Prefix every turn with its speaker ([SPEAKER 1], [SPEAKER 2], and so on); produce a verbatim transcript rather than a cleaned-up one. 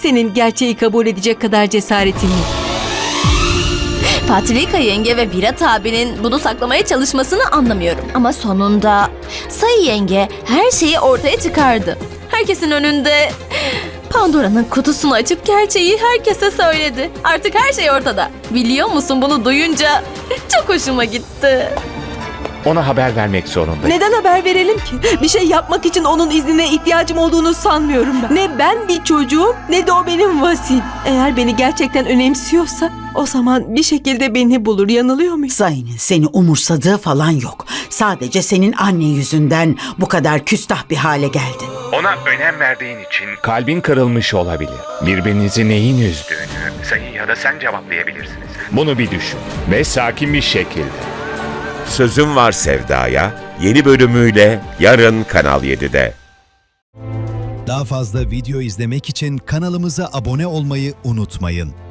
[SPEAKER 1] senin gerçeği kabul edecek kadar cesaretin yok.
[SPEAKER 2] Patrika yenge ve Virat abinin bunu saklamaya çalışmasını anlamıyorum. Ama sonunda Sayı yenge her şeyi ortaya çıkardı. Herkesin önünde Pandora'nın kutusunu açıp gerçeği herkese söyledi. Artık her şey ortada. Biliyor musun, bunu duyunca çok hoşuma gitti.
[SPEAKER 3] Ona haber vermek zorundayım.
[SPEAKER 1] Neden haber verelim ki? Bir şey yapmak için onun iznine ihtiyacım olduğunu sanmıyorum ben. Ne ben bir çocuğum ne de o benim vasim. Eğer beni gerçekten önemsiyorsa o zaman bir şekilde beni bulur. Yanılıyor muyum?
[SPEAKER 4] Zayn'in seni umursadığı falan yok. Sadece senin anne yüzünden bu kadar küstah bir hale geldin.
[SPEAKER 3] Ona önem verdiğin için kalbin kırılmış olabilir. Birbirinizi neyin üzdüğünü Sayı ya da sen cevaplayabilirsiniz. Bunu bir düşün ve sakin bir şekilde.
[SPEAKER 5] Sözüm Var Sevda'ya yeni bölümüyle yarın Kanal yedide.
[SPEAKER 6] Daha fazla video izlemek için kanalımıza abone olmayı unutmayın.